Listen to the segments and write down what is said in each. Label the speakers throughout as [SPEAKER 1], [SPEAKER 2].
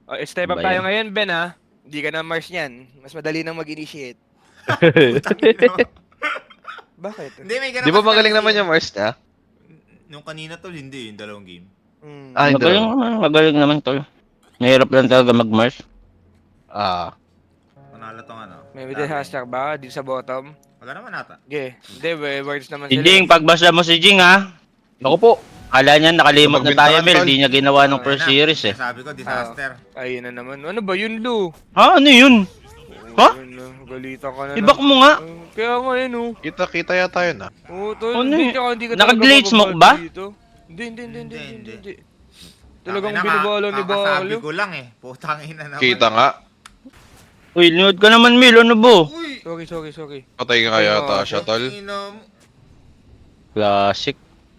[SPEAKER 1] Step up
[SPEAKER 2] Ba
[SPEAKER 1] tayo
[SPEAKER 2] yan?
[SPEAKER 1] ngayon, Ben, ha? Hindi ka na Mars niyan. Mas madali nang mag-initiate. Bakit?
[SPEAKER 3] Hindi, may ganun
[SPEAKER 4] Di ba
[SPEAKER 3] kasi
[SPEAKER 4] magaling
[SPEAKER 3] talaga
[SPEAKER 4] naman
[SPEAKER 3] yan.
[SPEAKER 4] yung Mars niya?
[SPEAKER 3] Nung kanina tol, hindi yung dalawang game.
[SPEAKER 4] Ah, hindi.
[SPEAKER 2] Magaling naman tol. Mahirap lang talaga mag-Mars.
[SPEAKER 4] Ah.
[SPEAKER 3] Panalo tong ano.
[SPEAKER 1] May middle hashtag ba? Dito sa bottom?
[SPEAKER 3] Wala naman ata.
[SPEAKER 1] Okay. Hindi, words naman
[SPEAKER 2] Si
[SPEAKER 1] sila.
[SPEAKER 2] Jing, pagbasa mo si Jing ha.
[SPEAKER 4] Naku po.
[SPEAKER 2] Kala niya nakalimot na tayo,
[SPEAKER 4] Magbintangan,
[SPEAKER 2] Mel.
[SPEAKER 4] tol.
[SPEAKER 2] Di niya ginawa ng
[SPEAKER 3] Ayun
[SPEAKER 2] first
[SPEAKER 3] na.
[SPEAKER 2] series eh.
[SPEAKER 3] Sabi ko, disaster.
[SPEAKER 1] Ayun na naman. Ano ba yun, Lu?
[SPEAKER 2] Ha? Ano yun? Ha?
[SPEAKER 1] Ayun na, Galitan ka na.
[SPEAKER 2] Ibak mo nga.
[SPEAKER 1] Kaya nga yun, oh.
[SPEAKER 4] Kita yata yun ah.
[SPEAKER 1] Oo, tol.
[SPEAKER 2] Ano
[SPEAKER 1] Hindi
[SPEAKER 2] yun?
[SPEAKER 1] ka, hindi ka
[SPEAKER 2] Naka-glitch
[SPEAKER 1] talaga
[SPEAKER 2] smoke
[SPEAKER 1] mababad
[SPEAKER 2] ba?
[SPEAKER 1] dito. Hindi.
[SPEAKER 3] Hindi.
[SPEAKER 1] Talagang
[SPEAKER 3] Tangina,
[SPEAKER 1] binabala ni
[SPEAKER 3] kakasabi
[SPEAKER 1] Bakalo.
[SPEAKER 3] ko lang eh. Putang ina naman.
[SPEAKER 4] Kita nga.
[SPEAKER 2] Uy, linood ka naman, Mel. Ano ba?
[SPEAKER 3] Uy!
[SPEAKER 1] Sorry.
[SPEAKER 4] Patay ka yata siya, tol.
[SPEAKER 3] Ina mo.
[SPEAKER 2] Classic.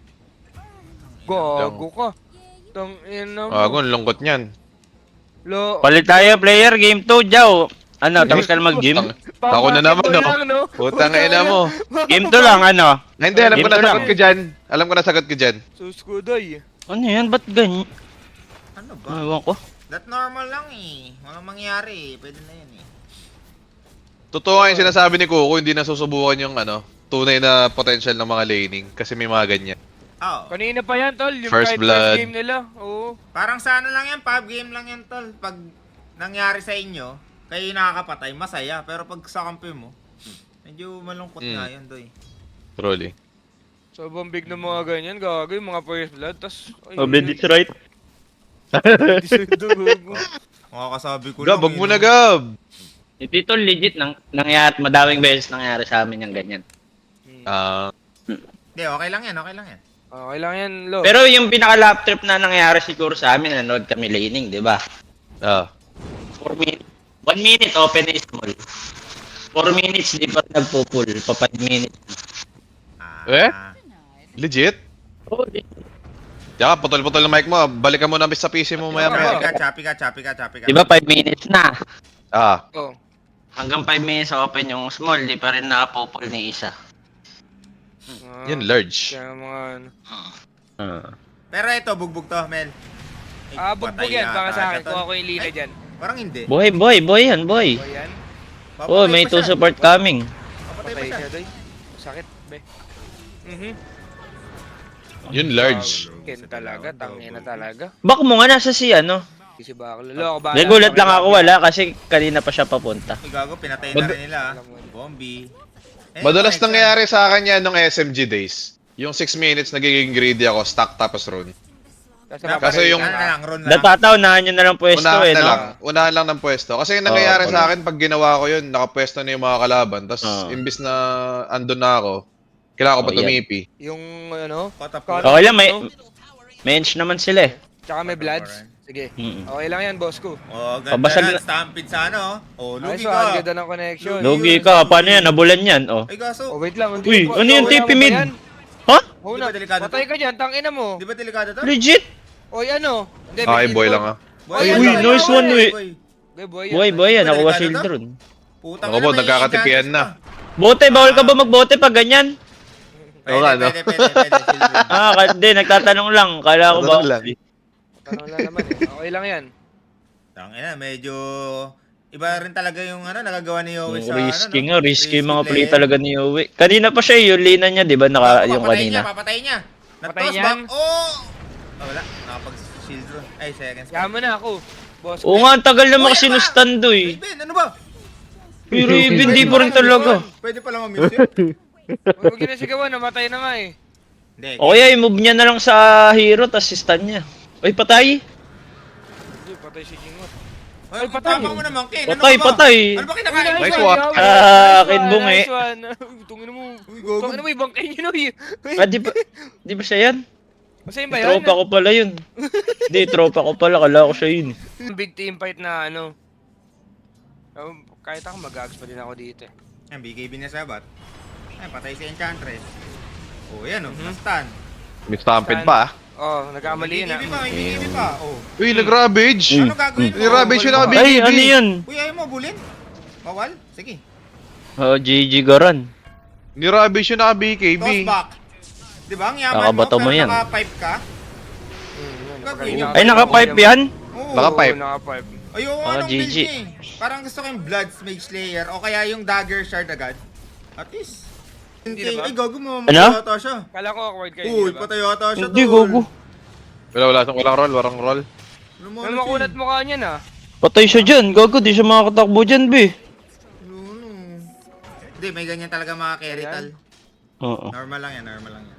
[SPEAKER 1] Gago ka. Tang ina mo.
[SPEAKER 4] Ang lungkot niyan.
[SPEAKER 1] Lo.
[SPEAKER 2] Palit tayo, player. Game 2, Jow. Ano, tapos ka na mag-gym?
[SPEAKER 4] Ako na naman,
[SPEAKER 1] Basketball
[SPEAKER 4] no?
[SPEAKER 1] lang, no?
[SPEAKER 4] Putang ina mo.
[SPEAKER 2] Game 2 lang, ano?
[SPEAKER 4] Ay, hindi, alam ko
[SPEAKER 2] Game
[SPEAKER 4] na
[SPEAKER 2] to
[SPEAKER 4] sagot
[SPEAKER 2] lang.
[SPEAKER 4] ko dyan. Alam ko na sagot ko dyan.
[SPEAKER 1] Suskuday.
[SPEAKER 2] Ano yan? Ba't ganyan?
[SPEAKER 3] Ano ba?
[SPEAKER 2] Ewan ko.
[SPEAKER 3] That normal lang eh. Walang mangyari eh. Pwede na yun eh.
[SPEAKER 4] Totoo nga yung sinasabi ni Coco, hindi na susubukan yung tunay na potential ng mga laning. Kasi may mga ganyan.
[SPEAKER 3] Oo.
[SPEAKER 1] Kanina pa yan, tol. Yung
[SPEAKER 4] First
[SPEAKER 1] kahit
[SPEAKER 4] blood.
[SPEAKER 1] first game nila. Oo.
[SPEAKER 3] Parang sa ano lang yan, 5 game lang yan tol. Pag nangyari sa inyo, kayo yung nakakapatay, masaya. Pero pag sa kampi mo, medyo malungkot nga yun, doy.
[SPEAKER 4] Truly.
[SPEAKER 1] Sobrang big ng mga ganyan. Gago yung mga first blood. Tas,
[SPEAKER 2] Oh, Ben, it's right.
[SPEAKER 3] Makakasabi ko
[SPEAKER 4] Gab, wag mo na, Gab!
[SPEAKER 2] Dito legit nangyari, madaming beses nangyari sa amin yung ganyan.
[SPEAKER 4] Ah,
[SPEAKER 3] Hindi, okay lang yan, okay lang yan.
[SPEAKER 1] Okay lang yan, Lo.
[SPEAKER 2] Pero yung pinaka-lap trip na nangyari siguro sa amin, nanood kami laning, di ba?
[SPEAKER 4] ah.
[SPEAKER 2] 4 minutes. 1 minute, open is small. 4 minutes, di pa nagpo-pull. Pa 5 minutes.
[SPEAKER 4] Eh? Legit?
[SPEAKER 2] Oh,
[SPEAKER 4] Tsaka, putol-putol ng mic mo. Balikan mo na sa PC mo maya-maya.
[SPEAKER 3] Choppy ka.
[SPEAKER 2] di ba 5 minutes na?
[SPEAKER 4] Ah.
[SPEAKER 1] Oh.
[SPEAKER 2] Hanggang 5 minutes open yung small, di pa rin nakapo-pull ni isa.
[SPEAKER 4] Yan, large.
[SPEAKER 1] Kaya mga ano.
[SPEAKER 3] Pero ito, bugbog to, Mel. Ay,
[SPEAKER 1] Bugbog
[SPEAKER 3] patay
[SPEAKER 1] yan. Baka
[SPEAKER 3] yata
[SPEAKER 1] sa akin.
[SPEAKER 3] to.
[SPEAKER 1] Kuha ko yung lina
[SPEAKER 3] Ay,
[SPEAKER 1] dyan.
[SPEAKER 3] Parang hindi.
[SPEAKER 2] Boy yan, boy.
[SPEAKER 1] O yan.
[SPEAKER 2] Oh,
[SPEAKER 3] Papatay
[SPEAKER 2] may
[SPEAKER 3] pa
[SPEAKER 2] 2
[SPEAKER 3] siya.
[SPEAKER 2] support coming.
[SPEAKER 3] Papatay pa
[SPEAKER 1] Patay
[SPEAKER 3] siya.
[SPEAKER 1] siya, doy. Sakit, be.
[SPEAKER 4] Yun, large.
[SPEAKER 1] Ken talaga. Tangina talaga.
[SPEAKER 2] Bak mo nga nasa si ano.
[SPEAKER 1] Si Bakalo. Lo, ako ba?
[SPEAKER 2] Nagulat lang ako wala kasi kanina pa siya papunta.
[SPEAKER 3] Ay, gago, pinatay na rin nila.
[SPEAKER 1] Alam mo yun.
[SPEAKER 3] Bombi. Eh,
[SPEAKER 4] Madalas
[SPEAKER 3] next
[SPEAKER 4] nangyayari sa akin yan nung SMG days. Yung 6 minutes nagiging greedy ako, stack tapos run.
[SPEAKER 1] Kasi
[SPEAKER 3] time.
[SPEAKER 4] Kaso yung-
[SPEAKER 3] Ano na lang, run na lang.
[SPEAKER 2] Natataw-unahan nyo na lang pwesto
[SPEAKER 4] Unahan
[SPEAKER 2] eh,
[SPEAKER 4] na
[SPEAKER 2] no?
[SPEAKER 4] lang. Unahan lang ng pwesto. Kasi yung nangyayari
[SPEAKER 2] Oo,
[SPEAKER 4] sa akin, pag ginawa ko yun, nakapwesto na yung mga kalaban. Tapos,
[SPEAKER 2] Oo.
[SPEAKER 4] imbis na andun na ako, kailangan ko pa
[SPEAKER 2] Oh, yan.
[SPEAKER 4] tumipi.
[SPEAKER 1] yung ano.
[SPEAKER 3] Kota
[SPEAKER 1] Kota-
[SPEAKER 2] Okay lang, may inch naman sila eh.
[SPEAKER 1] Tsaka may bloods. Sige.
[SPEAKER 2] Mm-mm.
[SPEAKER 1] Okay lang yan, boss ko.
[SPEAKER 3] Oh, ganda
[SPEAKER 2] Pabasag
[SPEAKER 3] yan.
[SPEAKER 2] na-
[SPEAKER 3] Stampede sa ano. Oh,
[SPEAKER 1] Ay,
[SPEAKER 3] lugi
[SPEAKER 1] so,
[SPEAKER 3] ka.
[SPEAKER 1] ang ganda ng connection.
[SPEAKER 2] Lugi ka, paano yan? Nabulan yan, oh.
[SPEAKER 3] Ay, gaso.
[SPEAKER 1] Oh, wait lang.
[SPEAKER 2] Uy, ano yung
[SPEAKER 1] wala
[SPEAKER 2] TP
[SPEAKER 1] mo ba
[SPEAKER 2] mid?
[SPEAKER 1] yan?
[SPEAKER 2] Ha?
[SPEAKER 1] Oh,
[SPEAKER 3] Di ba delikado
[SPEAKER 1] patay
[SPEAKER 3] to?
[SPEAKER 1] ka dyan, tangina mo.
[SPEAKER 3] Di ba delikado to?
[SPEAKER 2] Legit?
[SPEAKER 1] Oy, ano? Hindi,
[SPEAKER 4] Okay,
[SPEAKER 1] may
[SPEAKER 4] boy
[SPEAKER 1] shield
[SPEAKER 4] lang
[SPEAKER 1] doon.
[SPEAKER 4] ah.
[SPEAKER 3] Boy,
[SPEAKER 1] Uy,
[SPEAKER 3] ano,
[SPEAKER 2] nice
[SPEAKER 3] boy,
[SPEAKER 2] one,
[SPEAKER 3] boy,
[SPEAKER 2] uy.
[SPEAKER 3] boy.
[SPEAKER 1] Okay, boy.
[SPEAKER 2] Boy, boy yan.
[SPEAKER 3] Di ba
[SPEAKER 2] Nakuha
[SPEAKER 3] delikado
[SPEAKER 2] shield
[SPEAKER 3] to?
[SPEAKER 2] drone.
[SPEAKER 3] Putang
[SPEAKER 4] Ako
[SPEAKER 3] ina,
[SPEAKER 4] po,
[SPEAKER 3] may
[SPEAKER 4] nagkakatipian
[SPEAKER 3] chances
[SPEAKER 4] na.
[SPEAKER 3] pa.
[SPEAKER 2] Bote, bawal ka ba magbote pag ganyan?
[SPEAKER 3] Pwede,
[SPEAKER 4] Oo nga, no?
[SPEAKER 3] pwede. Silver.
[SPEAKER 2] Hindi, nagtatanong lang. Kala ko ba?
[SPEAKER 4] Tatanong lang.
[SPEAKER 1] Tanong lang naman eh. Okay lang yan.
[SPEAKER 3] Tangina, medyo iba rin talaga yung ano nagagawa ni Yowie sa
[SPEAKER 2] Risky
[SPEAKER 3] ano,
[SPEAKER 2] nga, risky mga play
[SPEAKER 3] play.
[SPEAKER 2] talaga ni Yowie. Kanina pa siya, yung lina niya, di ba? Yung kanina.
[SPEAKER 3] Papatay niya.
[SPEAKER 1] Patay
[SPEAKER 3] Natos
[SPEAKER 1] niyan?
[SPEAKER 3] back. Oh! Oh, wala. Nakapag-shield drone. Ay, seconds.
[SPEAKER 1] Kaya mo na ako. Boss
[SPEAKER 2] Oo
[SPEAKER 1] ko.
[SPEAKER 2] nga, ang tagal na
[SPEAKER 3] Uy,
[SPEAKER 2] makasinustando eh.
[SPEAKER 3] Raven, ano ba?
[SPEAKER 2] Pero Raven, di pa rin talaga.
[SPEAKER 3] Pwede pala ma-mute yun.
[SPEAKER 1] Huwag yun na sigawan, namatay na nga eh.
[SPEAKER 3] Hindi.
[SPEAKER 2] O kaya, i-move niya na lang sa hero, tas stun niya. Uy, patay.
[SPEAKER 1] Hindi, patay si Jingot.
[SPEAKER 3] Ay,
[SPEAKER 1] patay.
[SPEAKER 3] patay. mo naman, Ken.
[SPEAKER 2] Patay,
[SPEAKER 3] Ano ba?
[SPEAKER 2] patay.
[SPEAKER 3] Ano ba kinakain?
[SPEAKER 4] Nice
[SPEAKER 3] mo?
[SPEAKER 4] one.
[SPEAKER 2] Akin bungi.
[SPEAKER 1] Nice one. Uy, tungin mo.
[SPEAKER 3] Uy, gogo.
[SPEAKER 1] Tungin mo, ibang kayo yun. Uy.
[SPEAKER 2] Ah, di ba siya yan?
[SPEAKER 1] Masaya ba yan?
[SPEAKER 2] Tropa ko pala yun. Hindi, tropa ko pala. Kala ko siya yun.
[SPEAKER 1] Big team fight na ano. Kahit ako mag-ags pa din ako dito eh.
[SPEAKER 3] Yan, BKB na sa bat. Ay, patay si Enchantress. Oh, yan oh.
[SPEAKER 1] Mhm.
[SPEAKER 3] Na-stun.
[SPEAKER 4] May stampede pa ah.
[SPEAKER 1] Oh, nagkamali na.
[SPEAKER 3] May BKB pa, may BKB pa. Oh.
[SPEAKER 4] Uy, nag-ravage!
[SPEAKER 3] Ano gagawin mo?
[SPEAKER 4] Ni-ravage yun ako,
[SPEAKER 2] Ay,
[SPEAKER 4] BKB!
[SPEAKER 2] ano yun?
[SPEAKER 3] Uy, ayaw mo bulin? Bawal? Sige.
[SPEAKER 2] Oh, GG Garan.
[SPEAKER 4] Ni-ravage yun ako, BKB.
[SPEAKER 3] Toss back. Di ba? Ang yaman mo,
[SPEAKER 2] Nakabato mo
[SPEAKER 3] pero
[SPEAKER 2] yan.
[SPEAKER 3] naka-pipe ka?
[SPEAKER 1] Yun,
[SPEAKER 3] Gagawin
[SPEAKER 1] napakita
[SPEAKER 3] mo.
[SPEAKER 1] ko
[SPEAKER 2] Ay,
[SPEAKER 1] yung
[SPEAKER 2] naka-pipe
[SPEAKER 1] okay
[SPEAKER 2] yan?
[SPEAKER 3] Oo.
[SPEAKER 4] Naka-pipe.
[SPEAKER 1] Oo, naka-pipe.
[SPEAKER 3] Ayoko
[SPEAKER 5] Ah,
[SPEAKER 3] anong build
[SPEAKER 5] GG.
[SPEAKER 3] niya eh. Parang gusto ko yung Blood Mage Slayer o kaya yung Dagger Shard agad. At least.
[SPEAKER 1] Hindi na ba?
[SPEAKER 3] Ay, gago mo.
[SPEAKER 5] Ano?
[SPEAKER 3] Matay yata siya.
[SPEAKER 1] Kala ko awkward kayo,
[SPEAKER 3] Uy,
[SPEAKER 1] di ba?
[SPEAKER 3] patay yata siya.
[SPEAKER 5] Hindi,
[SPEAKER 3] tol.
[SPEAKER 5] gogo.
[SPEAKER 4] Walang roll, walang roll.
[SPEAKER 3] Lumunod
[SPEAKER 1] Ano makunat mukha niyan ah.
[SPEAKER 5] Patay siya dyan, gago, di siya makakatakbo dyan, be.
[SPEAKER 3] Hindi, may ganyan talaga mga carry
[SPEAKER 1] Ayan.
[SPEAKER 3] tal.
[SPEAKER 5] Oo.
[SPEAKER 3] Normal lang yan, normal lang yan.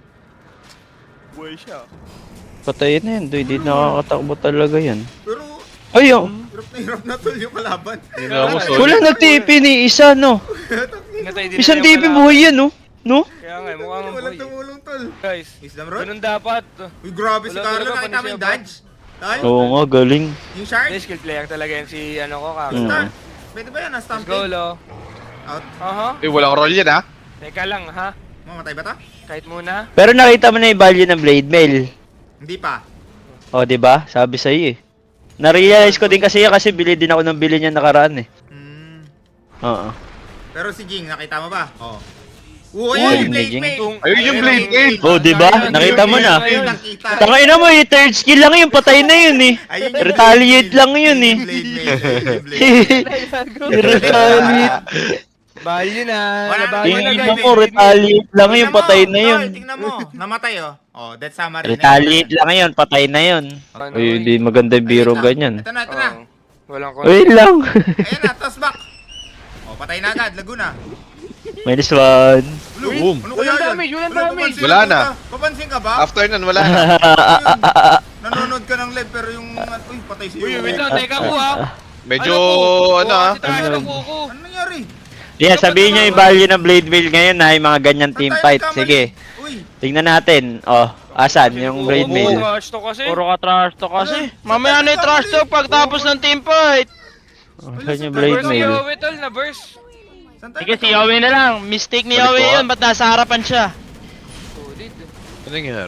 [SPEAKER 1] Buhay siya.
[SPEAKER 5] Patay na yan, doy, di nakakatakbo talaga yan.
[SPEAKER 3] Pero,
[SPEAKER 5] Ay, oh.
[SPEAKER 3] hirap na tol yung kalaban.
[SPEAKER 4] Hindi na ako solid.
[SPEAKER 5] Wala na TP ni isa, no?
[SPEAKER 1] Pinatay din
[SPEAKER 5] Isang
[SPEAKER 1] nila yung
[SPEAKER 5] TP
[SPEAKER 1] kalaban.
[SPEAKER 5] buhay yan, no? No?
[SPEAKER 1] Kaya nga, mukha nga
[SPEAKER 3] Walang
[SPEAKER 1] buhay.
[SPEAKER 3] tumulong tol.
[SPEAKER 1] Guys,
[SPEAKER 3] Wisdom Rod?
[SPEAKER 1] ganun dapat.
[SPEAKER 3] Uy, grabe si
[SPEAKER 1] Wala
[SPEAKER 3] Carlo.
[SPEAKER 1] talaga,
[SPEAKER 3] Nakita mo yung
[SPEAKER 1] panis
[SPEAKER 3] dodge? Tal?
[SPEAKER 5] Oo nga, galing.
[SPEAKER 3] Yung shard?
[SPEAKER 1] Hindi, skill player talaga yan si ano ko, Kaka.
[SPEAKER 5] Mm.
[SPEAKER 3] Start. Pwede ba yan?
[SPEAKER 1] Let's go,
[SPEAKER 3] Stampede?
[SPEAKER 1] lo.
[SPEAKER 3] Out.
[SPEAKER 1] Aha.
[SPEAKER 4] Eh, walang roll yan, ha?
[SPEAKER 1] Teka lang, ha?
[SPEAKER 3] Mamatay ba ta?
[SPEAKER 1] Kahit muna.
[SPEAKER 5] Pero nakita mo na yung value ng blade mail.
[SPEAKER 3] Hindi pa.
[SPEAKER 5] O, di ba? Sabi sa iyo eh. Na-realize ko din kasi yan kasi bili din ako ng bili niya nakaraan eh.
[SPEAKER 3] Hmm.
[SPEAKER 5] Oo.
[SPEAKER 3] Pero si Jing, nakita mo ba? Oo.
[SPEAKER 5] Uy,
[SPEAKER 3] Uy,
[SPEAKER 5] ni
[SPEAKER 3] Blade
[SPEAKER 5] Jing.
[SPEAKER 3] Mail!
[SPEAKER 4] Ayun yung Blade Mail!
[SPEAKER 5] Oh, di ba? Nakita mo na.
[SPEAKER 3] Ayun, nakita.
[SPEAKER 5] Tangina mo eh, third skill lang yun, patay na yun eh.
[SPEAKER 3] Ayun yung
[SPEAKER 5] Retaliate
[SPEAKER 3] Blade
[SPEAKER 5] lang yun
[SPEAKER 3] Mail.
[SPEAKER 5] eh.
[SPEAKER 3] Blade Mail, ayun yung Blade Mail.
[SPEAKER 5] Retaliate.
[SPEAKER 1] Value na.
[SPEAKER 3] Wala na,
[SPEAKER 1] Value na,
[SPEAKER 5] Tingin
[SPEAKER 1] guys.
[SPEAKER 5] mo, retaliate lang yun,
[SPEAKER 3] Tingnan mo,
[SPEAKER 5] patay na yun.
[SPEAKER 3] tol, tingnan mo, namatay oh. Oh, that's summary.
[SPEAKER 5] Retaliate lang yun, patay na yun.
[SPEAKER 1] Ano,
[SPEAKER 5] Uy, hindi maganda yung biro ganyan.
[SPEAKER 3] Ito na, ito na.
[SPEAKER 1] Oo. Walang kon.
[SPEAKER 5] Uy lang.
[SPEAKER 3] Ayan na, toss back. Oh, patay na agad, Laguna.
[SPEAKER 5] Minus one.
[SPEAKER 4] Boom.
[SPEAKER 3] Ano kaya
[SPEAKER 1] Walang
[SPEAKER 3] yan?
[SPEAKER 1] damage, walang
[SPEAKER 3] Wala,
[SPEAKER 1] damage.
[SPEAKER 3] papansin
[SPEAKER 4] Wala
[SPEAKER 3] ka
[SPEAKER 4] na.
[SPEAKER 3] ba? Papansin ka ba?
[SPEAKER 4] After nun, wala na.
[SPEAKER 3] Ayun, nanonood ka ng live pero yung, uy, patay si
[SPEAKER 1] Uy, wait lang, teka ko ha.
[SPEAKER 4] Medyo, ano,
[SPEAKER 1] ha?
[SPEAKER 4] ha?
[SPEAKER 1] Si tayo ng kuko.
[SPEAKER 3] Ano nangyari?
[SPEAKER 5] Yeah, sabihin nyo yung value ng blade mail ngayon na yung mga ganyan team
[SPEAKER 3] Saan tayo
[SPEAKER 5] fight.
[SPEAKER 3] nagkamali?
[SPEAKER 5] Sige,
[SPEAKER 3] Uy,
[SPEAKER 5] tingnan natin. Oh, asan yung blade
[SPEAKER 1] Oo,
[SPEAKER 5] mail?
[SPEAKER 1] trash to kasi.
[SPEAKER 6] Puro ka trash to kasi.
[SPEAKER 3] Ano?
[SPEAKER 6] Mamaya na yung trash to pagtapos ng team fight.
[SPEAKER 5] Asan yung blade
[SPEAKER 1] Burst si
[SPEAKER 5] mail?
[SPEAKER 1] Yowie, tol, na burst.
[SPEAKER 3] saan tayo
[SPEAKER 6] Sige, si
[SPEAKER 3] nagkamali?
[SPEAKER 6] Yowie na lang. Mistake ni
[SPEAKER 4] Balik
[SPEAKER 6] Yowie
[SPEAKER 4] ko,
[SPEAKER 6] yun. Ba't nasa harapan siya?
[SPEAKER 1] Solid.
[SPEAKER 4] Ano nangyari?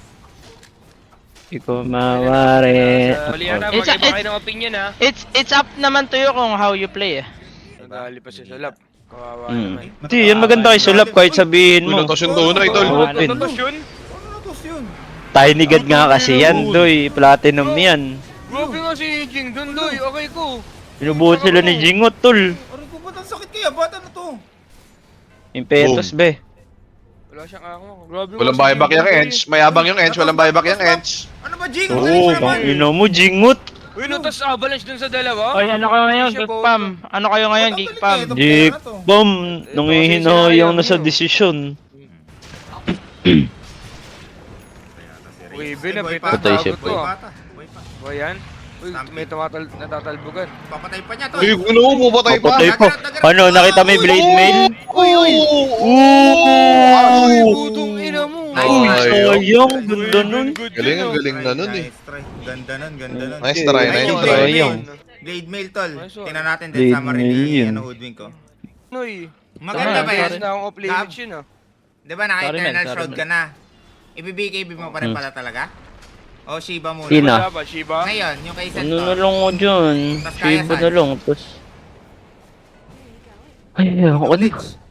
[SPEAKER 5] Hindi ko mawari.
[SPEAKER 1] Malihan na,
[SPEAKER 6] It's-
[SPEAKER 1] mag-iba kayo ng opinion ha.
[SPEAKER 6] It's up naman to you kung how you play eh.
[SPEAKER 1] Nadali pa siya sa lap. Kawawa
[SPEAKER 5] Hmm.
[SPEAKER 1] naman.
[SPEAKER 5] Hindi, yan maganda kay Sulap kahit sabihin
[SPEAKER 4] Uy,
[SPEAKER 5] mo.
[SPEAKER 4] natos yung tunay, tol.
[SPEAKER 5] Open.
[SPEAKER 1] Ano to yun?
[SPEAKER 3] Ano na toss yun?
[SPEAKER 5] Tiny God nga kasi yan, doy. Platinum yan.
[SPEAKER 1] Grabe nga si Jing dun, doy. Okay ko.
[SPEAKER 5] Pinubuhat sila ni Jingot, tol.
[SPEAKER 3] Aray ko, ba't ang sakit kaya? Ba't ano to?
[SPEAKER 5] Impetus, be.
[SPEAKER 1] Wala siyang ako. Grabe nga
[SPEAKER 4] Walang
[SPEAKER 1] si
[SPEAKER 4] buyback
[SPEAKER 1] Jing
[SPEAKER 4] yung
[SPEAKER 1] dun,
[SPEAKER 4] Ench. Mayabang yung Ench, walang buyback yung Ench.
[SPEAKER 3] Ano ba, Jing?
[SPEAKER 5] Oo,
[SPEAKER 3] Magaling mo naman.
[SPEAKER 5] ino mo, Jingot.
[SPEAKER 1] Uy, nutas avalanche dun sa dalawa.
[SPEAKER 6] Oy, ano kayo ngayon,
[SPEAKER 1] Siya
[SPEAKER 6] Geek
[SPEAKER 1] boto.
[SPEAKER 6] Pam? Ano kayo ngayon, Geek Pam?
[SPEAKER 5] Jik, bom, nangihinayang na sa desisyon.
[SPEAKER 1] Uy, binabit.
[SPEAKER 5] Patay siya,
[SPEAKER 1] Tagot ko, ah.
[SPEAKER 3] Buhay pa.
[SPEAKER 1] Uy, yan. Uy, may natatalbugan.
[SPEAKER 3] Papatay pa niya to.
[SPEAKER 4] Uy, ano, pupatay pa.
[SPEAKER 5] Patay pa. Ano, nakita mo yung blade mail?
[SPEAKER 4] Uy, uy.
[SPEAKER 1] Uy,
[SPEAKER 4] Uy,
[SPEAKER 1] putong ina mo.
[SPEAKER 5] Uy,
[SPEAKER 4] Ay,
[SPEAKER 5] sayang, ganda nun.
[SPEAKER 4] Galing, ang galing na nun eh.
[SPEAKER 3] Nice try. Ganda nun, ganda nun.
[SPEAKER 4] Nice try,
[SPEAKER 3] Ayun,
[SPEAKER 4] nice
[SPEAKER 3] yung
[SPEAKER 4] try.
[SPEAKER 3] Blade
[SPEAKER 5] Sayang.
[SPEAKER 3] Mail. Blade Mail, tol.
[SPEAKER 1] Nice one.
[SPEAKER 3] Tingnan natin din
[SPEAKER 5] Blade
[SPEAKER 3] summary
[SPEAKER 5] Mail
[SPEAKER 3] ni
[SPEAKER 5] yun.
[SPEAKER 3] ano, Hoodwink ko.
[SPEAKER 1] Uy.
[SPEAKER 3] Maganda ba yan?
[SPEAKER 1] Na akong off-limits yun ah.
[SPEAKER 3] Di ba naka-Eternal
[SPEAKER 6] Sorry,
[SPEAKER 3] Shroud
[SPEAKER 6] man.
[SPEAKER 3] ka na? I-BKB mo pa rin pala talaga? O Shiba muna?
[SPEAKER 5] Sino?
[SPEAKER 1] Wala ba, Shiba?
[SPEAKER 3] Ngayon, yung kay
[SPEAKER 5] Ano na
[SPEAKER 3] Sentor.
[SPEAKER 5] lang ko dyan?
[SPEAKER 3] Tas kaya
[SPEAKER 5] Shiba
[SPEAKER 3] saan?
[SPEAKER 5] na lang, tapos... Ay, ako na.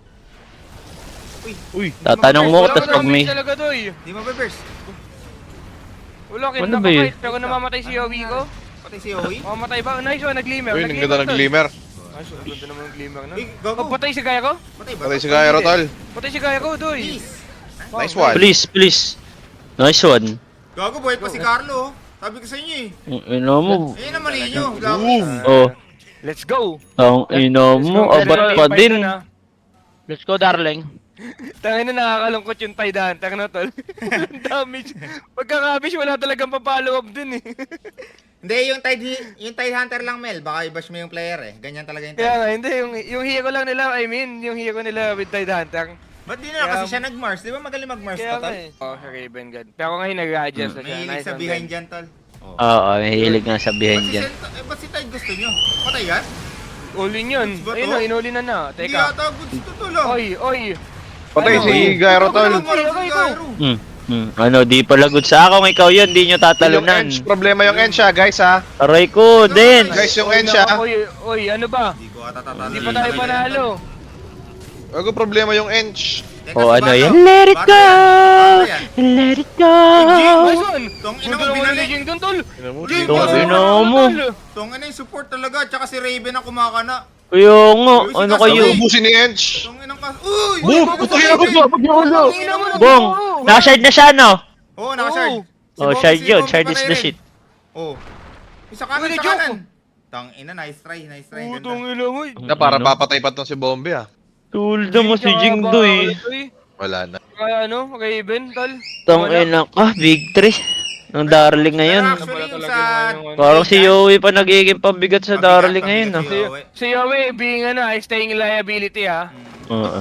[SPEAKER 4] Uy,
[SPEAKER 5] Tatanong mo,
[SPEAKER 1] Wala
[SPEAKER 5] tapos
[SPEAKER 1] ka
[SPEAKER 5] pag may...
[SPEAKER 1] damage talaga, doy.
[SPEAKER 3] Di mo ba burst?
[SPEAKER 1] Wala,
[SPEAKER 5] Ano ba yun?
[SPEAKER 1] kinakakait. Pero namamatay si Yowie ko.
[SPEAKER 3] Patay si Owi?
[SPEAKER 1] Mamamatay ba? Nice one, nag-glimmer.
[SPEAKER 4] uy, ang ganda ng glimmer.
[SPEAKER 1] Nice one, ganda naman ng glimmer na.
[SPEAKER 3] Uy, gago.
[SPEAKER 1] Patay si Gaya ko?
[SPEAKER 3] Patay ba?
[SPEAKER 4] Patay si Gairo, tol.
[SPEAKER 1] Patay si Gaya ko, doy.
[SPEAKER 3] Please.
[SPEAKER 4] Nice one.
[SPEAKER 5] Please, please. Nice one.
[SPEAKER 3] Gago, buhay pa si Carlo. Sabi ko sa inyo eh.
[SPEAKER 5] Ang ina mo.
[SPEAKER 3] Ayun naman ninyo. Gago.
[SPEAKER 4] Boom.
[SPEAKER 5] Oh,
[SPEAKER 1] Let's go.
[SPEAKER 5] ang ina mo, abat pa din.
[SPEAKER 6] Let's go, darling.
[SPEAKER 1] Tangin na nakakalungkot yung Tide Hunter na tol. Damage. Pagkakabish, wala talagang pa-follow up dun eh.
[SPEAKER 3] Hindi, yung Tide Hunter lang, Mel. Baka i-bash mo yung player eh. Ganyan talaga yung
[SPEAKER 1] Kaya
[SPEAKER 3] Tide.
[SPEAKER 1] nga, hindi. Yung hero lang nila, I mean, yung hero nila with Tide Hunter.
[SPEAKER 3] Ba't di na kasi siya nag-Mars? Di ba magaling mag-Mars
[SPEAKER 1] Kaya
[SPEAKER 3] pa,
[SPEAKER 1] nga
[SPEAKER 3] tol?
[SPEAKER 1] eh. Oh, si Raven God. Pero ngayon nag-adjust na siya.
[SPEAKER 3] May hilig
[SPEAKER 1] Nice
[SPEAKER 3] sa
[SPEAKER 1] one,
[SPEAKER 3] behind
[SPEAKER 1] Ben.
[SPEAKER 3] dyan, tol.
[SPEAKER 5] Oo, may hilig nga sa behind dyan.
[SPEAKER 3] Ba't si Tide gusto nyo? Patay yan?
[SPEAKER 1] All-in yun.
[SPEAKER 3] Goods ba to?
[SPEAKER 1] Ayun na, in-all-in na na.
[SPEAKER 3] Hindi
[SPEAKER 1] Teka.
[SPEAKER 3] yata goods to, tol. ah.
[SPEAKER 1] Oy, oy.
[SPEAKER 4] Patay
[SPEAKER 1] Ano?
[SPEAKER 4] si Gairo, tol.
[SPEAKER 1] Okay ko.
[SPEAKER 5] Ano, di pala good sa ako. Ikaw yun, di nyo
[SPEAKER 4] Yung
[SPEAKER 5] tatalunan.
[SPEAKER 4] Ench, problema yung Ench, guys, ha.
[SPEAKER 5] Aray ko, din.
[SPEAKER 4] Guys, yung
[SPEAKER 1] Oy,
[SPEAKER 4] Ench, ha.
[SPEAKER 1] Oy, oy, ano ba?
[SPEAKER 3] Hindi ko ata tatalo.
[SPEAKER 1] Hindi pa tayo panalo.
[SPEAKER 4] Bago problema yung Ench.
[SPEAKER 3] Teka,
[SPEAKER 5] Oh,
[SPEAKER 3] si
[SPEAKER 5] ano
[SPEAKER 3] Bato.
[SPEAKER 5] yan? Let it
[SPEAKER 3] Bato
[SPEAKER 5] go!
[SPEAKER 3] yan. Bato yan.
[SPEAKER 5] Let it go!
[SPEAKER 1] Nice one!
[SPEAKER 3] Tong ina
[SPEAKER 1] Ganda
[SPEAKER 3] mo,
[SPEAKER 1] naman
[SPEAKER 3] binalik.
[SPEAKER 1] ni Jing doon, tol. Jing,
[SPEAKER 5] Tong
[SPEAKER 1] ganda
[SPEAKER 5] ina
[SPEAKER 1] naman,
[SPEAKER 5] mo.
[SPEAKER 1] tol.
[SPEAKER 3] Tong ina yung support talaga. Tsaka si Raven ang kumakana.
[SPEAKER 5] Kaya nga,
[SPEAKER 3] Uy, si
[SPEAKER 5] ano
[SPEAKER 3] Kaso,
[SPEAKER 5] kayo?
[SPEAKER 3] uy.
[SPEAKER 4] Ubusin ni Ench.
[SPEAKER 3] Tong inang kas... Uy!
[SPEAKER 4] Boom!
[SPEAKER 3] bago
[SPEAKER 4] Putang
[SPEAKER 3] si
[SPEAKER 4] ina ko
[SPEAKER 3] Raven.
[SPEAKER 4] ba? Pag yung ulo.
[SPEAKER 3] Tong ina mo,
[SPEAKER 5] Bong! Nakashard na siya, no?
[SPEAKER 3] Oo, nakashard. Si
[SPEAKER 5] Oh,
[SPEAKER 3] Bombi,
[SPEAKER 5] shard
[SPEAKER 3] si
[SPEAKER 5] yun.
[SPEAKER 3] Bombi
[SPEAKER 5] Shard
[SPEAKER 3] pa
[SPEAKER 5] is
[SPEAKER 3] rin
[SPEAKER 5] the
[SPEAKER 3] rin.
[SPEAKER 5] shit.
[SPEAKER 3] Oh. Isa kanan,
[SPEAKER 1] Uy,
[SPEAKER 3] sa
[SPEAKER 1] joke.
[SPEAKER 3] kanan. Tang ina, nice try, nice try. Ganda.
[SPEAKER 1] Putong ina mo.
[SPEAKER 4] Na para papatay pa tong si Bombe ah.
[SPEAKER 5] Tulda mo si Jingdoy.
[SPEAKER 4] Wala na.
[SPEAKER 1] Kaya ano, kay Iben, tol.
[SPEAKER 5] Tong ina ka, big 3. Ng Darling ngayon.
[SPEAKER 3] Pero actually, yung sa...
[SPEAKER 5] Parang si Yowie pa nagiging pabigat sa
[SPEAKER 3] Pabigat,
[SPEAKER 5] Darling
[SPEAKER 3] pabigat
[SPEAKER 5] ngayon,
[SPEAKER 3] si
[SPEAKER 5] ah.
[SPEAKER 3] Yowie.
[SPEAKER 1] Si Yahweh, being ano, staying liability, ha?
[SPEAKER 5] Oo.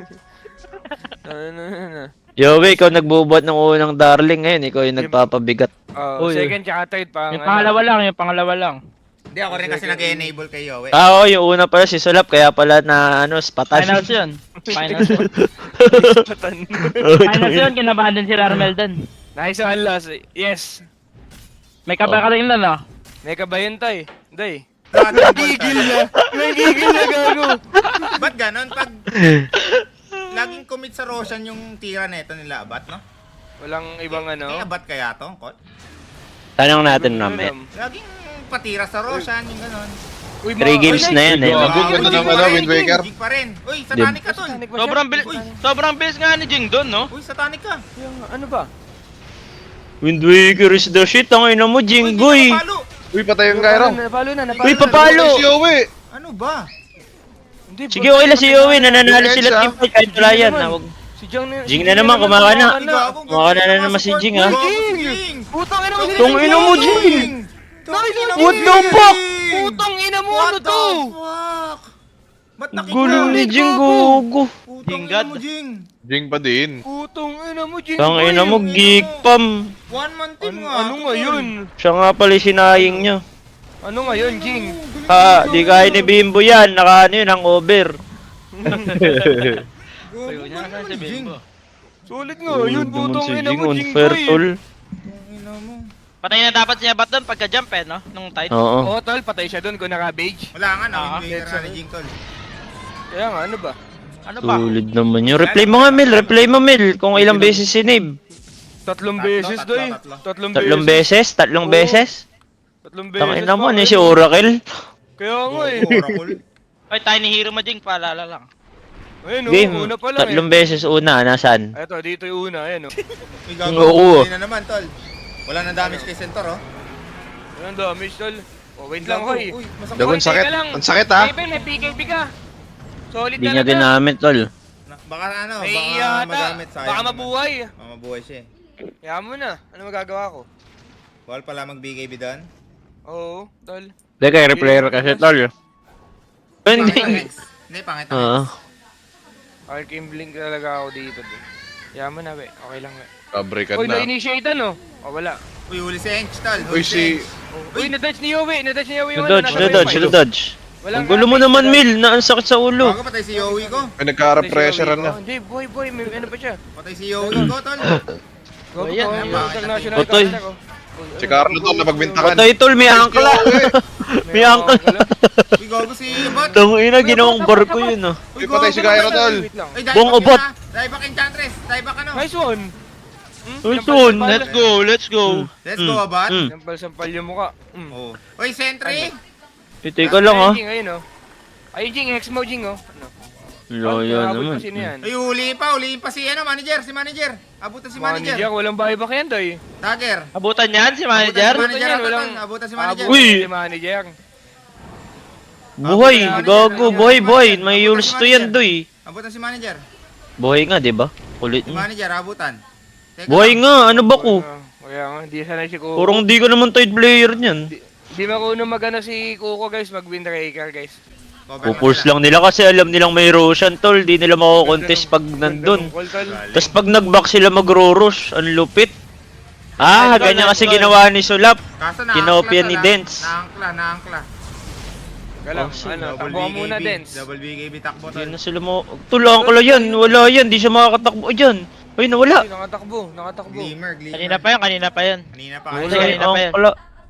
[SPEAKER 1] Ano.
[SPEAKER 5] Yowie, ikaw nagbubuhat ng unang Darling ngayon. Ikaw yung nagpapabigat.
[SPEAKER 1] Oh,
[SPEAKER 6] Uy,
[SPEAKER 1] second tsaka third pa.
[SPEAKER 6] Yung pangalawa lang.
[SPEAKER 3] Hindi, ako rin kasi nag-enable kay Yowie.
[SPEAKER 5] Ah, oo, yung una pala si Sulap. Kaya pala na, ano, spatan.
[SPEAKER 6] Finals yun. Finals yun.
[SPEAKER 5] Oo,
[SPEAKER 6] Finals yun, kinabahan din si Rarmel dun.
[SPEAKER 1] Nice one, loss. Yes.
[SPEAKER 6] May kabay ka rin lang, no?
[SPEAKER 1] May kabayan tayo. Day.
[SPEAKER 3] Nagigil
[SPEAKER 1] na. Nagigil na, gago.
[SPEAKER 3] Ba't ganon? Pag laging commit sa Roshan yung tira neto nila, abat, no?
[SPEAKER 1] Walang ibang ano.
[SPEAKER 3] Kaya abat kaya to, Kot?
[SPEAKER 5] Tanong natin mamaya.
[SPEAKER 3] Laging patira sa Roshan, yung ganon.
[SPEAKER 1] Uy,
[SPEAKER 5] 3 games na yan, eh.
[SPEAKER 4] Gago, ganda ng ano, Wind Waker.
[SPEAKER 3] Jig pa rin. Uy, satanic ka, tol.
[SPEAKER 6] Sobrang bilis nga ni Jing dun, no?
[SPEAKER 3] Uy, satanic ka.
[SPEAKER 1] Ano ba?
[SPEAKER 5] Wind Waker is the shit. Ang ina mo,
[SPEAKER 3] Uy, di
[SPEAKER 5] Jinggoy.
[SPEAKER 3] ka napalo.
[SPEAKER 4] Uy, patay yung Gyro.
[SPEAKER 1] Napalo na, napalo
[SPEAKER 5] Uy,
[SPEAKER 1] na.
[SPEAKER 5] papalo.
[SPEAKER 4] Si Yowie.
[SPEAKER 3] Ano ba?
[SPEAKER 1] Hindi,
[SPEAKER 5] Sige, okay lang si Yowie. Nananalo sila
[SPEAKER 4] Defense,
[SPEAKER 5] team fight kahit wala yan. Huwag-
[SPEAKER 1] Si Jing na.
[SPEAKER 5] Jing na naman, kumaka na.
[SPEAKER 3] Ay, gago,
[SPEAKER 5] Kumaka
[SPEAKER 3] gago,
[SPEAKER 5] na naman si
[SPEAKER 3] support.
[SPEAKER 5] Jing,
[SPEAKER 3] Uy,
[SPEAKER 5] ha?
[SPEAKER 3] gago si
[SPEAKER 1] Jing!
[SPEAKER 3] Jing.
[SPEAKER 1] Putang ina mo si
[SPEAKER 5] Tong ina mo, Jing. What the fuck?
[SPEAKER 1] Putang ina mo,
[SPEAKER 3] What
[SPEAKER 1] ano
[SPEAKER 3] the
[SPEAKER 1] to?
[SPEAKER 3] fuck? Ba't
[SPEAKER 5] Gulo ni Jing, gogo.
[SPEAKER 3] Putang
[SPEAKER 6] Jing
[SPEAKER 3] ina
[SPEAKER 6] God.
[SPEAKER 3] mo, Jing.
[SPEAKER 4] Jing pa din.
[SPEAKER 1] Putang ina mo, Jing.
[SPEAKER 5] Tang ina mo,
[SPEAKER 3] Jing,
[SPEAKER 5] geek
[SPEAKER 3] ina mo.
[SPEAKER 5] pam.
[SPEAKER 3] One man team nga.
[SPEAKER 1] Ano ngayon?
[SPEAKER 5] Siya nga pala yung sinaying niya.
[SPEAKER 1] Ano ngayon, Jing?
[SPEAKER 5] Ha, di kaya ni Bimbo yan. Naka ano yun, hangover.
[SPEAKER 6] Uy, huwag niya nasaan si Bimbo.
[SPEAKER 1] Sulit nga, yun,
[SPEAKER 5] Naman
[SPEAKER 1] putang
[SPEAKER 5] si
[SPEAKER 1] ina
[SPEAKER 5] Jing,
[SPEAKER 1] mo, Jing.
[SPEAKER 5] unfair
[SPEAKER 1] boy.
[SPEAKER 5] tol.
[SPEAKER 6] Patay na dapat siya bat dun pagka-jump eh, no? Nung tide.
[SPEAKER 5] Oo.
[SPEAKER 1] Oo, tol, patay siya doon kung naka-beige.
[SPEAKER 3] Wala nga na,
[SPEAKER 6] Ah,
[SPEAKER 3] Wind Waker na ni Jing, tol.
[SPEAKER 1] Kaya nga, ano ba?
[SPEAKER 6] Ano ba?
[SPEAKER 5] Tulid naman yun. Replay mo nga, Mel. Replay mo, Mel. Kung ilang beses sinave.
[SPEAKER 1] Tatlong
[SPEAKER 3] Tatlo,
[SPEAKER 1] beses,
[SPEAKER 3] tatlo,
[SPEAKER 1] doy.
[SPEAKER 3] tatlo.
[SPEAKER 5] Tatlong beses? Tatlong
[SPEAKER 1] Oo.
[SPEAKER 5] beses?
[SPEAKER 1] Tatlong beses.
[SPEAKER 5] Tangin naman
[SPEAKER 1] pa,
[SPEAKER 5] eh, si Oracle.
[SPEAKER 1] Kaya nga eh.
[SPEAKER 3] Oracle.
[SPEAKER 6] Oy, Tiny Hero mo, Jing, paalala lang.
[SPEAKER 1] Ayun,
[SPEAKER 5] Game.
[SPEAKER 1] una pa lang
[SPEAKER 5] Tatlong beses una. Nasaan?
[SPEAKER 1] Eto, dito yung una, ayan, oh.
[SPEAKER 3] Uy, gago.
[SPEAKER 5] Oo.
[SPEAKER 3] Hindi na naman, tol. Wala nang damage kay Centaur, oh.
[SPEAKER 1] Ayan, damage, tol. Oh, wait lang, hoy.
[SPEAKER 3] Uy, masakit.
[SPEAKER 4] Dagon
[SPEAKER 1] Hoy,
[SPEAKER 4] sakit.
[SPEAKER 1] teka lang.
[SPEAKER 4] Ang sakit ha.
[SPEAKER 1] Raven, may PKP ka. Solid
[SPEAKER 5] Hindi niya
[SPEAKER 1] talaga.
[SPEAKER 5] ginamit, tol.
[SPEAKER 3] Baka ano,
[SPEAKER 1] May
[SPEAKER 3] baka
[SPEAKER 1] yata.
[SPEAKER 3] magamit. Sayang
[SPEAKER 1] Baka
[SPEAKER 3] naman.
[SPEAKER 1] mabuhay.
[SPEAKER 3] Baka mabuhay siya eh.
[SPEAKER 1] Kaya mo na. Ano magagawa ko?
[SPEAKER 3] Bawal pala mag-BKB doon.
[SPEAKER 1] Oo, tol.
[SPEAKER 5] Teka, replayer kasi, tol. Hindi.
[SPEAKER 3] Hindi, pangit
[SPEAKER 5] Oo.
[SPEAKER 1] Arcane Blink talaga ako dito, tol. Kaya mo na, we. Okay lang, we.
[SPEAKER 4] Kabreakan
[SPEAKER 1] Uy,
[SPEAKER 4] na.
[SPEAKER 1] na-initiate ano? Oh, wala.
[SPEAKER 3] Uy, huli si Ench, tol.
[SPEAKER 4] Uy, si...
[SPEAKER 1] Uy, na-dodge ni Yowie. Na-dodge ni Yowie.
[SPEAKER 5] Na-dodge,
[SPEAKER 1] Nasa
[SPEAKER 5] na-dodge,
[SPEAKER 1] wifi.
[SPEAKER 5] na-dodge.
[SPEAKER 1] Walang
[SPEAKER 5] Ang gulo mo
[SPEAKER 1] damage,
[SPEAKER 5] naman,
[SPEAKER 1] walang-
[SPEAKER 5] Mil. Na ang sakit sa ulo.
[SPEAKER 3] Bago patay si Yowie ko.
[SPEAKER 4] May nagka-repressure
[SPEAKER 1] Patay si Yowie
[SPEAKER 4] na.
[SPEAKER 1] ko. Hindi, boy, may ano pa siya.
[SPEAKER 3] Patay si Yowie ko, tol.
[SPEAKER 1] Go,
[SPEAKER 6] Ayan,
[SPEAKER 1] go,
[SPEAKER 3] ayan,
[SPEAKER 1] yung international
[SPEAKER 5] Otoy.
[SPEAKER 1] camera ko.
[SPEAKER 4] Si Carlo to, napagbintakan.
[SPEAKER 5] Patay, tol. May angkla. May angkla.
[SPEAKER 3] Uy, gago si Bot.
[SPEAKER 5] Tangina, ginawang barko yun, oh.
[SPEAKER 3] Uy,
[SPEAKER 4] Uy, patay si Gyro, tol.
[SPEAKER 1] Wait lang.
[SPEAKER 3] Uy,
[SPEAKER 5] Bong obot.
[SPEAKER 3] Dieback Enchantress. Dieback ano?
[SPEAKER 1] Nice one.
[SPEAKER 5] Uy, son.
[SPEAKER 6] Let's go, let's go.
[SPEAKER 3] Let's go, Abot.
[SPEAKER 1] Sampal-sampal yung mukha.
[SPEAKER 3] Oh. Uy, Sentry.
[SPEAKER 5] Teka lang, ha.
[SPEAKER 1] Jing, ayun, oh. Ayun, Jing, hex mo, Jing, oh. Ano?
[SPEAKER 5] Loya
[SPEAKER 1] Abot
[SPEAKER 5] naman.
[SPEAKER 1] pa sino yan?
[SPEAKER 3] Uy, huliin pa si ano, manager, si manager. Abutan si
[SPEAKER 1] Manager,
[SPEAKER 3] manager.
[SPEAKER 1] walang buyback yan, doy.
[SPEAKER 3] Dagger.
[SPEAKER 6] Abutan yan si
[SPEAKER 3] Abutan
[SPEAKER 6] manager.
[SPEAKER 3] si manager,
[SPEAKER 1] Abutan yan, walang-
[SPEAKER 3] abutan si manager.
[SPEAKER 5] Uy!
[SPEAKER 1] Si manager.
[SPEAKER 5] Buhay, gago, buhay. May yules to yan, doy.
[SPEAKER 3] Abutan si manager.
[SPEAKER 5] Buhay nga, di ba? Kulit
[SPEAKER 3] Si
[SPEAKER 5] niya.
[SPEAKER 3] manager, abutan. Teka
[SPEAKER 5] Buhay
[SPEAKER 3] lang.
[SPEAKER 5] nga, ano ba ko?
[SPEAKER 1] Kaya nga, hindi sanay si Kuko.
[SPEAKER 5] Purong di ka naman tide player niyan.
[SPEAKER 1] Di marunong magana si Kuko, guys, mag-windbreaker, guys.
[SPEAKER 3] Cover
[SPEAKER 5] Pupulse
[SPEAKER 3] sila.
[SPEAKER 5] lang nila kasi alam nilang may Roshan, tol. Di nila mako-contest pag nandun. Tapos pag nag-back sila magro-rush, ang lupit. Ah, ganyan kasi ginawa ni Sulap.
[SPEAKER 3] Kaso
[SPEAKER 5] Kinopia
[SPEAKER 3] naangkla
[SPEAKER 5] ni
[SPEAKER 3] to,
[SPEAKER 5] Dance.
[SPEAKER 3] Naangkla.
[SPEAKER 1] Galang,
[SPEAKER 5] Oh,
[SPEAKER 1] ano,
[SPEAKER 3] Double
[SPEAKER 1] takbo ka muna,
[SPEAKER 3] BKB,
[SPEAKER 1] Dance.
[SPEAKER 3] Double BKB takbo
[SPEAKER 5] Hindi
[SPEAKER 3] tol.
[SPEAKER 5] na sila mo... Tulang ko lang yan. Wala yan. Di siya makakatakbo dyan. Ay, nawala.
[SPEAKER 1] Ay, nakatakbo.
[SPEAKER 3] Glimmer.
[SPEAKER 6] Kanina pa yan.
[SPEAKER 3] Kanina pa.
[SPEAKER 6] Wala.
[SPEAKER 5] Ay,
[SPEAKER 6] Kanina pa yan.
[SPEAKER 5] ang kala.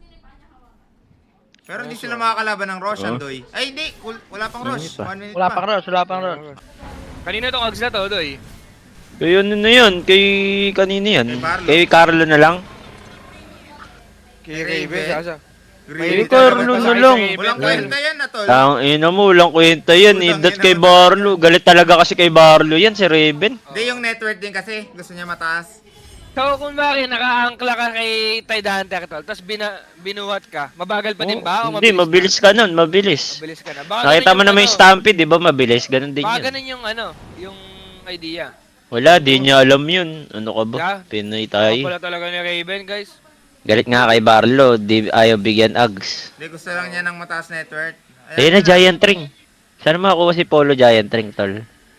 [SPEAKER 3] Pero hindi sila makakalaban ng Roshan, doy. Ay, hindi. Wala pang Rosh.
[SPEAKER 5] Hindi pa.
[SPEAKER 3] 1 minute
[SPEAKER 6] Wala
[SPEAKER 3] pa.
[SPEAKER 6] pang rush, wala pang rush.
[SPEAKER 1] Kanina tong Ags na to, Doy.
[SPEAKER 5] Kay ano na yun? Kay kanina yan?
[SPEAKER 3] Kay Barlo.
[SPEAKER 5] Kay Carlo na lang?
[SPEAKER 1] Kay
[SPEAKER 3] Raven.
[SPEAKER 1] Raven, sasa.
[SPEAKER 5] Kay Carlo na lang.
[SPEAKER 3] Walang kwenta yan na tol.
[SPEAKER 5] Ang ina mo, walang kwenta yan.
[SPEAKER 3] Putang
[SPEAKER 5] That's
[SPEAKER 3] ina
[SPEAKER 5] kay
[SPEAKER 3] mo.
[SPEAKER 5] Barlo. Galit talaga kasi kay Barlo yan, si Raven.
[SPEAKER 3] Hindi yung network din kasi. Gusto niya mataas.
[SPEAKER 1] So kung bakit naka-angkla ka kay Tide Hunter, tol, tapos binuhat ka, mabagal pa din ba? O
[SPEAKER 5] Hindi, mabilis ka nun, mabilis.
[SPEAKER 1] Mabilis ka na. Baka
[SPEAKER 5] Nakita
[SPEAKER 1] ganun
[SPEAKER 5] mo na
[SPEAKER 1] yung
[SPEAKER 5] may
[SPEAKER 1] ano,
[SPEAKER 5] stampede, di ba? Mabilis, ganun din
[SPEAKER 1] Baka
[SPEAKER 5] yun.
[SPEAKER 1] ganun yung yung idea.
[SPEAKER 5] Wala, di niya alam yun. Ano ka ba?
[SPEAKER 1] Yeah.
[SPEAKER 5] Pinoy
[SPEAKER 1] Ako
[SPEAKER 5] tayo.
[SPEAKER 1] pala talaga ni Raven, guys.
[SPEAKER 5] Galit nga kay Barlo, di ayaw bigyan Ags.
[SPEAKER 3] Hindi, gusto lang niya ng mataas network.
[SPEAKER 5] Ayun na, Giant Ring. Sana makakuha si Polo Giant Ring, tol.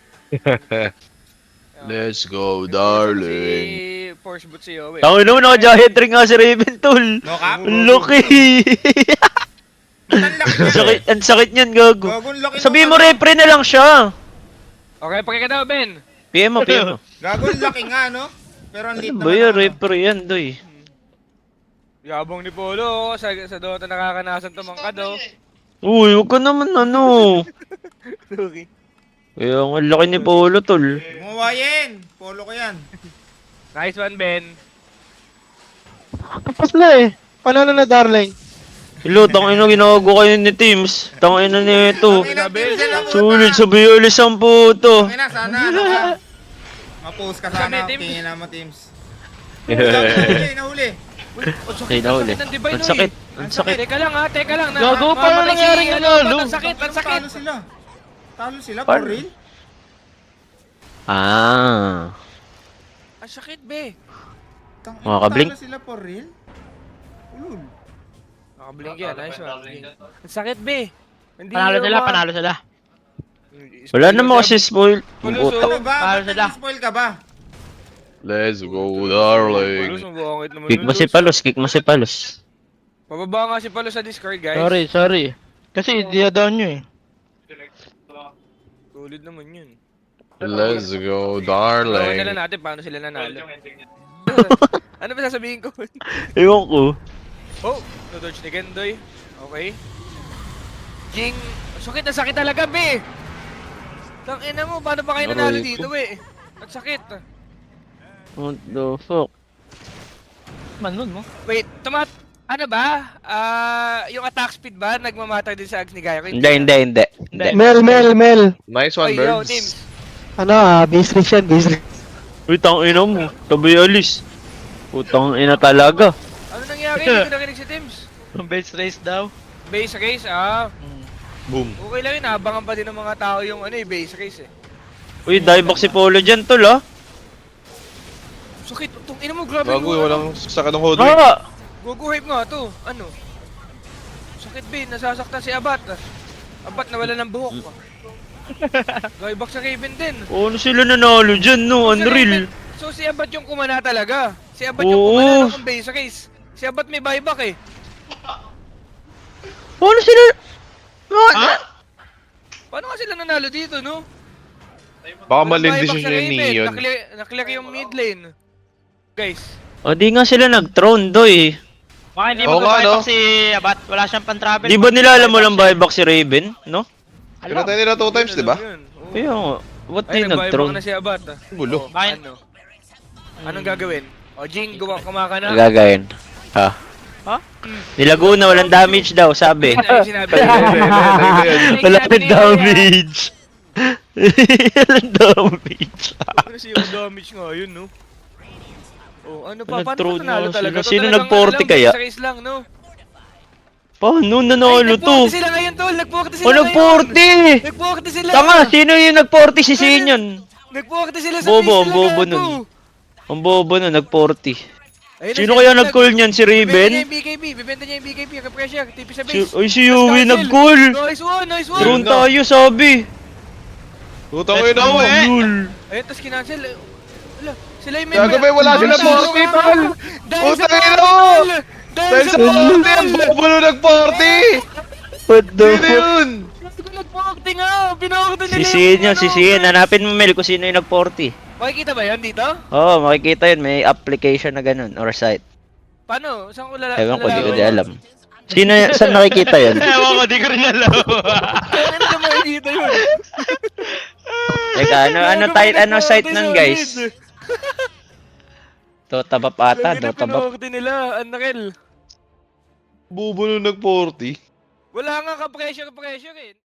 [SPEAKER 4] Let's go,
[SPEAKER 1] Si
[SPEAKER 4] darling.
[SPEAKER 1] Force Boot si Yowie.
[SPEAKER 5] Tawin naman, naka-Giant Ring nga si Raven, tol.
[SPEAKER 3] No cap?
[SPEAKER 5] Ang laki.
[SPEAKER 3] Ang laki
[SPEAKER 5] Ang
[SPEAKER 3] niya.
[SPEAKER 5] sakit, ang sakit niyan, gago.
[SPEAKER 3] Gagong laki
[SPEAKER 5] Sabihin mo,
[SPEAKER 3] nung ano.
[SPEAKER 5] repre na lang siya.
[SPEAKER 1] Okay, pakikita mo, Ben.
[SPEAKER 5] PM mo, PM mo.
[SPEAKER 3] Gagong laki nga, no? Pero ang
[SPEAKER 5] Ano
[SPEAKER 3] lit
[SPEAKER 5] ba
[SPEAKER 3] naman.
[SPEAKER 5] yun,
[SPEAKER 3] ano.
[SPEAKER 5] repre yan, doy.
[SPEAKER 1] Yabong ni Polo, sa Dota nakakanasan tumangkad, oh.
[SPEAKER 5] Uy, huwag ka naman, ano.
[SPEAKER 1] Sorry.
[SPEAKER 5] Kaya ang laki ni Polo, tol.
[SPEAKER 3] Gumawa yan. Polo ko yan.
[SPEAKER 1] Nice one, Ben.
[SPEAKER 7] Tapos na eh. Panalo na darling.
[SPEAKER 5] Hello, tangina ginago kayo ni Teams. Tangina nito.
[SPEAKER 3] Ang ina, Teams, yan ang puta.
[SPEAKER 5] Sulit sa Biolis ang puto.
[SPEAKER 3] Ang ina, sana, ano ka? Ma-post ka sana.
[SPEAKER 1] Kami, Teams.
[SPEAKER 3] Tingin na mo, Teams. Nahuli, nahuli.
[SPEAKER 5] Ay, nahuli.
[SPEAKER 1] Ang Divine,
[SPEAKER 5] Ang
[SPEAKER 1] oy.
[SPEAKER 5] sakit. Ang sakit.
[SPEAKER 1] Teka lang ha, teka lang.
[SPEAKER 7] Gago, paano nangyaring nanalo?
[SPEAKER 1] Ang sakit, ang sakit.
[SPEAKER 3] Talo sila. Talo sila, for
[SPEAKER 5] Par-
[SPEAKER 3] real?
[SPEAKER 5] Ah.
[SPEAKER 1] Ang sakit, be.
[SPEAKER 5] Mga kabling.
[SPEAKER 3] Talo sila, for real? Ulul.
[SPEAKER 1] Nakablink yan, nice one. Ang sakit, be. Hindi
[SPEAKER 6] Panalo sila,
[SPEAKER 1] naman.
[SPEAKER 6] panalo sila.
[SPEAKER 5] Wala naman kasi spoil. Ang
[SPEAKER 1] Pulo,
[SPEAKER 5] puta.
[SPEAKER 3] Ano ba?
[SPEAKER 6] Talo
[SPEAKER 3] Ba't
[SPEAKER 6] sila.
[SPEAKER 3] nag-spoil ka ba?
[SPEAKER 4] Let's go,
[SPEAKER 1] Palos,
[SPEAKER 4] darling.
[SPEAKER 1] ang buwangit naman.
[SPEAKER 5] Kick
[SPEAKER 1] nun,
[SPEAKER 5] mo si
[SPEAKER 1] Luz.
[SPEAKER 5] Palos, kick mo si Palos.
[SPEAKER 1] Pababa nga si Palos sa Discord, guys.
[SPEAKER 7] Sorry. Kasi dia-down nyo eh.
[SPEAKER 1] Tulid naman yun.
[SPEAKER 4] Let's go,
[SPEAKER 1] Tawagan na lang
[SPEAKER 4] darling.
[SPEAKER 1] natin paano sila nanalo. Ano ba sasabihin ko?
[SPEAKER 5] Ewan ko.
[SPEAKER 1] Oh, no-dodge ni Gendoy. Okay. Jing, sakit na sakit talaga, be! Tangina mo, paano ba kayo nanalo
[SPEAKER 5] Aray ko.
[SPEAKER 1] dito, be? Ang sakit.
[SPEAKER 5] What the fuck?
[SPEAKER 6] Manon mo.
[SPEAKER 1] Wait, ano ba? Yung attack speed ba? Nagmamatter din sa Ags ni Gaio?
[SPEAKER 5] Hindi.
[SPEAKER 7] Mel.
[SPEAKER 4] Nice one,
[SPEAKER 1] Oy, yo, team.
[SPEAKER 4] birds.
[SPEAKER 7] Ano base race yan, base race.
[SPEAKER 5] Uy, tangina mo. Tabi alis. Putang ina talaga.
[SPEAKER 1] Ano nangyari? Hindi ko nakinig si Teams.
[SPEAKER 6] Base race daw.
[SPEAKER 1] Base race,
[SPEAKER 4] Boom.
[SPEAKER 1] Okay lang yun, abangan pa din ng mga tao yung base race eh.
[SPEAKER 5] Uy, dieback si Polo dyan, tol, ah.
[SPEAKER 1] Sakit, itong ina mo, grabe
[SPEAKER 4] Bago,
[SPEAKER 1] yung
[SPEAKER 4] walang sakit ng hold rate.
[SPEAKER 5] Ah!
[SPEAKER 1] Gogo hype nga to, ano? Sakit be, nasasaktan si Abat. Abat nawala ng buhok. Dieback sa Raven din.
[SPEAKER 5] Ano sila nanalo dyan, no? Unreal.
[SPEAKER 1] So si Abat yung kumana talaga. Si Abat yung
[SPEAKER 5] Oo.
[SPEAKER 1] kumana ng base race. Si Abat may buyback eh.
[SPEAKER 5] Ano sila?
[SPEAKER 1] Paano nga sila nanalo dito, no?
[SPEAKER 4] Baka
[SPEAKER 1] Walang
[SPEAKER 4] mali
[SPEAKER 1] buyback
[SPEAKER 4] decision
[SPEAKER 1] sa
[SPEAKER 4] ni
[SPEAKER 1] Raven.
[SPEAKER 4] Neon.
[SPEAKER 1] Naklear yung mid lane. Guys,
[SPEAKER 5] O, di nga sila nag-throne, doy.
[SPEAKER 6] Baka hindi
[SPEAKER 4] Oo nga,
[SPEAKER 6] mag-buyback
[SPEAKER 4] no?
[SPEAKER 6] si Abat. Wala siyang pan-travel.
[SPEAKER 5] Di ba nila alam mo lang buyback si Raven, no?
[SPEAKER 4] Pinatay nila 2 times, di ba?
[SPEAKER 1] yun. Oo.
[SPEAKER 5] Kaya nga, what
[SPEAKER 1] Ay,
[SPEAKER 5] di
[SPEAKER 1] nag-buyback
[SPEAKER 5] nag-throne?
[SPEAKER 1] na si Abat.
[SPEAKER 4] Gulo.
[SPEAKER 6] Bakit?
[SPEAKER 1] Ano? Anong gagawin? O Jing, kumaka na.
[SPEAKER 5] Gagayin. Ha?
[SPEAKER 6] Ha?
[SPEAKER 5] Nilago na, walang damage daw, sabi.
[SPEAKER 1] Ay, sinabi
[SPEAKER 5] Wala nang damage. Walang damage.
[SPEAKER 1] Ano siya yung damage nga yun, no? Oh, ano pa? Paano
[SPEAKER 5] Nag-throw
[SPEAKER 1] pa nanalo
[SPEAKER 5] na
[SPEAKER 1] talaga?
[SPEAKER 5] sila. Sino
[SPEAKER 1] Talagang
[SPEAKER 5] nag-40
[SPEAKER 1] ano lang,
[SPEAKER 5] kaya?
[SPEAKER 1] base race lang, no?
[SPEAKER 5] Paano nanalo
[SPEAKER 1] Ay,
[SPEAKER 5] to?
[SPEAKER 1] nag-40 sila ngayon, tol! Nag-40 sila
[SPEAKER 5] O,
[SPEAKER 1] ngayon!
[SPEAKER 5] nag-40!
[SPEAKER 1] Nag-40 sila!
[SPEAKER 5] Tanga, sino yung nag-40 si Sinyon?
[SPEAKER 1] Nag-40 sila sa
[SPEAKER 5] Bobo,
[SPEAKER 1] base
[SPEAKER 5] ang
[SPEAKER 1] nila,
[SPEAKER 5] bobo
[SPEAKER 1] gago!
[SPEAKER 5] nun. Ang bobo nun, nag-40.
[SPEAKER 1] Ayun na
[SPEAKER 5] Sino
[SPEAKER 1] siya,
[SPEAKER 5] kaya nag-call niyan? Si
[SPEAKER 1] Bibenta niya
[SPEAKER 5] Raven?
[SPEAKER 1] yung BKB, bibenta niya yung BKB, ka-pressure, tipi sa base.
[SPEAKER 5] Ay, si Yui nag-call!
[SPEAKER 1] Nice one, nice one!
[SPEAKER 5] Drone tayo, sabi!
[SPEAKER 4] Putang ina mo.
[SPEAKER 5] Lul!
[SPEAKER 1] Ayun, tas kinancel. Wala, sila yung
[SPEAKER 4] Gagawin, wala sila 40, tol!
[SPEAKER 1] Dahil sa
[SPEAKER 4] Putang ina
[SPEAKER 1] 40,
[SPEAKER 4] mo!
[SPEAKER 1] tol!
[SPEAKER 4] Dahil sa 40, ang bobo nung nag-40!
[SPEAKER 5] What the
[SPEAKER 4] Sino yun?
[SPEAKER 1] Nag-40 nga! Pinakita nila
[SPEAKER 5] Si Sinyon, si Sinyon. Hanapin mo, Mel, kung sino yung nag-40.
[SPEAKER 1] Makikita ba yan dito?
[SPEAKER 5] Oo, makikita yun. May application na ganun, or site.
[SPEAKER 1] Paano? Saan ko
[SPEAKER 5] Ewan ko, di ko
[SPEAKER 1] lalaki?
[SPEAKER 5] di alam. Sino, saan nakikita yun?
[SPEAKER 6] Ewan ko, di ko rin alam.
[SPEAKER 1] Kaya na makikita yun?
[SPEAKER 5] Teka, ano site nun, guys? Dota ba ata? Dota ba?
[SPEAKER 1] Pinorte nila, Unreal.
[SPEAKER 4] Bubo nung nag-40.
[SPEAKER 1] Wala nga ka-pressure eh.